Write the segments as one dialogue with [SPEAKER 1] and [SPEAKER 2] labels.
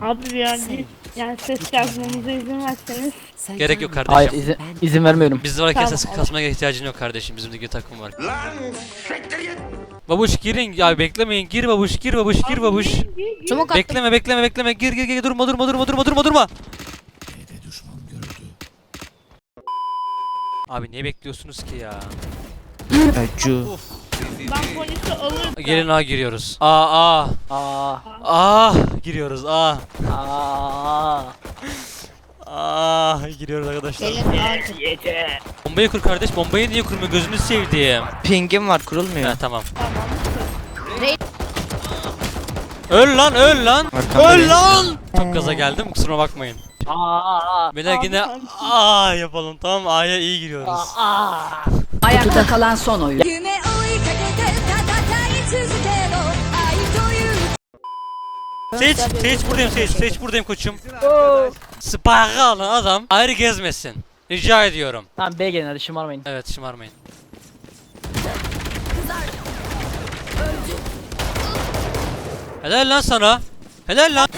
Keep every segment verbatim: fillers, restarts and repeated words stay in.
[SPEAKER 1] Abi ya bir yani ses yazmamıza izin verseniz.
[SPEAKER 2] Gerek yok kardeşim.
[SPEAKER 3] Hayır izin, izin vermiyorum.
[SPEAKER 2] Bizde varken
[SPEAKER 1] Tamam,
[SPEAKER 2] ses
[SPEAKER 1] olur.
[SPEAKER 2] kasmaya ihtiyacın yok kardeşim. Bizim de bir takım var. Babuş girin ya, beklemeyin. Gir babuş, gir babuş, gir babuş.
[SPEAKER 4] Çabuk at.
[SPEAKER 2] Bekleme bekleme bekleme. Gir gir gir, durma durma durma durma durma durma. Abi niye bekliyorsunuz ki ya?
[SPEAKER 3] Cu.
[SPEAKER 1] Ben polisi alırım.
[SPEAKER 2] Gelin A giriyoruz. A A
[SPEAKER 3] Aa.
[SPEAKER 2] A giriyoruz A.
[SPEAKER 3] Aa.
[SPEAKER 2] A giriyoruz arkadaşlar.
[SPEAKER 4] Gelin abi.
[SPEAKER 2] Bombayı kur kardeş. Bombayı niye kurmuyor? Gözünü sevdiğim.
[SPEAKER 3] Pingim var, kurulmuyor.
[SPEAKER 2] Ha tamam.
[SPEAKER 4] Rey-
[SPEAKER 2] Öl lan öl lan.
[SPEAKER 3] Arkamda
[SPEAKER 2] Öl
[SPEAKER 3] değil.
[SPEAKER 2] lan. Çok gaza geldim, kusuruma bakmayın.
[SPEAKER 3] Aa.
[SPEAKER 2] Beyler yine A yapalım, tamam, A'ya iyi giriyoruz.
[SPEAKER 5] Ayakta kalan son oyun.
[SPEAKER 6] 夢追いかけて戦い続けろ愛という
[SPEAKER 2] Seç, seç buradayım, seç, seç buradayım koçum. Spike'ı alan adam ayrı gezmesin. Rica ediyorum.
[SPEAKER 3] Tamam B gelin hadi şımarmayın.
[SPEAKER 2] Evet, şımarmayın. Helal lan sana. Helal lan.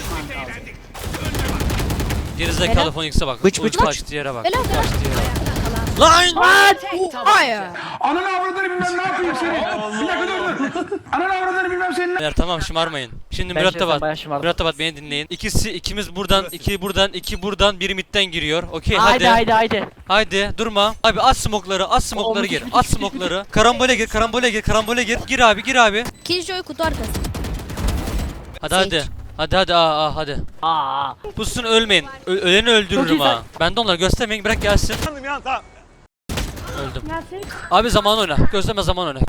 [SPEAKER 2] Gerizekalı Phoenix'e bak.
[SPEAKER 3] Bıç, bıç, bıç.
[SPEAKER 2] Kaçtı yere bak.
[SPEAKER 4] Helal, helal.
[SPEAKER 2] Kaçtı yere bak. Lan!
[SPEAKER 4] Hayır.
[SPEAKER 7] Ananı avradını bilmem ne yapayım seni. Bir dakika dur dur. Ananı avradını bilmem senin.
[SPEAKER 2] Beyler tamam, şımarmayın. Şimdi
[SPEAKER 3] Ben
[SPEAKER 2] mürettebat.
[SPEAKER 3] şahsen bayağı şımardım.
[SPEAKER 2] Mürettebat beni dinleyin. İkisi ikimiz buradan, iki buradan, iki buradan, biri midden giriyor. Okey
[SPEAKER 3] Haydi
[SPEAKER 2] hadi.
[SPEAKER 3] haydi haydi.
[SPEAKER 2] Haydi durma. Abi at smoke'ları, at smoke'ları gir. At smoke'ları. Karambole gir, karambole gir, karambole gir. Gir abi, gir abi.
[SPEAKER 4] Killjoy kutu arkası.
[SPEAKER 2] Hadi hadi. Hadi hadi aa, aa hadi.
[SPEAKER 3] Aa.
[SPEAKER 2] Pussun, ölmeyin. Ö öleni
[SPEAKER 3] Çok
[SPEAKER 2] öldürürüm
[SPEAKER 3] iyi
[SPEAKER 2] ha. Ben de onları göstermeyin, bırak gelsin. Öldüm.
[SPEAKER 1] Nasıl?
[SPEAKER 2] Abi zaman oyna. Gözleme, zaman oyna.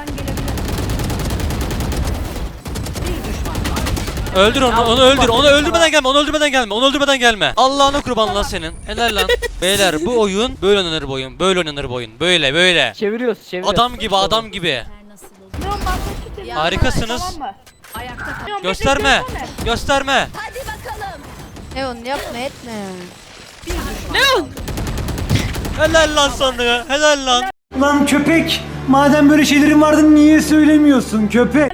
[SPEAKER 2] Öldür onu, onu öldür. Onu öldürmeden gelme, onu öldürmeden gelme, onu öldürmeden gelme. Allah'ına kurban lan senin. Helal lan. Beyler bu oyun böyle oynanır bu oyun. Böyle oynanır bu oyun. Böyle böyle.
[SPEAKER 3] Çeviriyoruz çeviriyoruz.
[SPEAKER 2] Adam gibi, adam gibi.
[SPEAKER 1] Leon ben de
[SPEAKER 2] Harikasınız.
[SPEAKER 1] Tamam mı?
[SPEAKER 5] Ayakta kalan.
[SPEAKER 1] Leon,
[SPEAKER 2] Gösterme.
[SPEAKER 1] beklesene.
[SPEAKER 2] Gösterme.
[SPEAKER 6] hadi bakalım
[SPEAKER 4] Leon yapma etme.
[SPEAKER 2] Helal lan sana. Helal lan.
[SPEAKER 8] Lan köpek! Madem böyle şeylerin vardı niye söylemiyorsun köpek?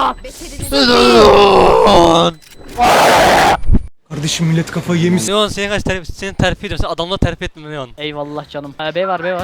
[SPEAKER 8] Kardeşim millet kafayı yemiş.
[SPEAKER 2] Leon seni kaç terfi, seni terfi ediyorum. Sen adamla terfi etme Leon.
[SPEAKER 3] Eyvallah canım. Ha, B var B var.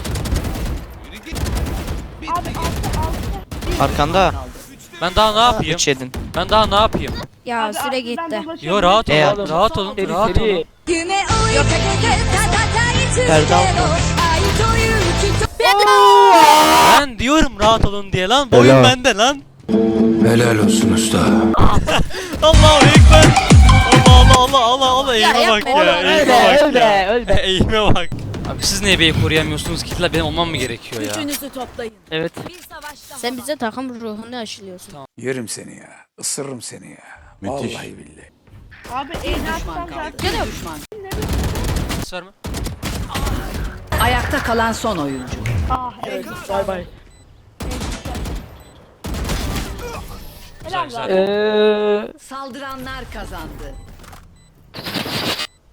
[SPEAKER 1] Abi altı altı.
[SPEAKER 3] Arkanda.
[SPEAKER 2] Ben daha ne yapayım?
[SPEAKER 3] Üç yedin.
[SPEAKER 2] Ben daha ne yapayım?
[SPEAKER 4] Ya
[SPEAKER 1] Abi,
[SPEAKER 4] süre
[SPEAKER 1] altından
[SPEAKER 4] gitti.
[SPEAKER 1] dolaşıyorum.
[SPEAKER 2] Yo rahat
[SPEAKER 3] E,
[SPEAKER 2] olun, rahat olun,
[SPEAKER 3] Seri
[SPEAKER 2] rahat olun.
[SPEAKER 3] seri.
[SPEAKER 6] 夢追いかけて戦い続けろ
[SPEAKER 3] Perde altı.
[SPEAKER 6] 愛という人
[SPEAKER 2] Ben diyorum rahat olun diye lan. Boyun
[SPEAKER 8] Helal.
[SPEAKER 2] bende lan.
[SPEAKER 7] Helal olsun usta.
[SPEAKER 2] Allahu ekber. Allah Allah Allah Allah Allah, eğime
[SPEAKER 4] Ya
[SPEAKER 2] bak
[SPEAKER 4] yapma
[SPEAKER 2] ya.
[SPEAKER 4] oğlum,
[SPEAKER 2] Eğime
[SPEAKER 3] Öl be
[SPEAKER 2] bak
[SPEAKER 3] öl be
[SPEAKER 2] ya.
[SPEAKER 3] öl be.
[SPEAKER 2] Eğime bak. Abi siz niye B'yi koruyamıyorsunuz ki? Benim olmam mı gerekiyor ya?
[SPEAKER 5] Gücünüzü toplayın.
[SPEAKER 3] Evet.
[SPEAKER 6] bir savaşta
[SPEAKER 4] Sen bize takım ruhunu aşılıyorsun.
[SPEAKER 7] Yerim seni ya. Isırırım seni ya. Vallahi billahi.
[SPEAKER 1] Abi eğini atsam zaten.
[SPEAKER 4] Canım.
[SPEAKER 2] Ses verme.
[SPEAKER 5] Ayakta kalan son oyuncu.
[SPEAKER 1] Ah evet.
[SPEAKER 3] Bay bay.
[SPEAKER 2] Güzel
[SPEAKER 1] Helal
[SPEAKER 2] güzel.
[SPEAKER 1] lan.
[SPEAKER 3] Eee.
[SPEAKER 5] Saldıranlar kazandı.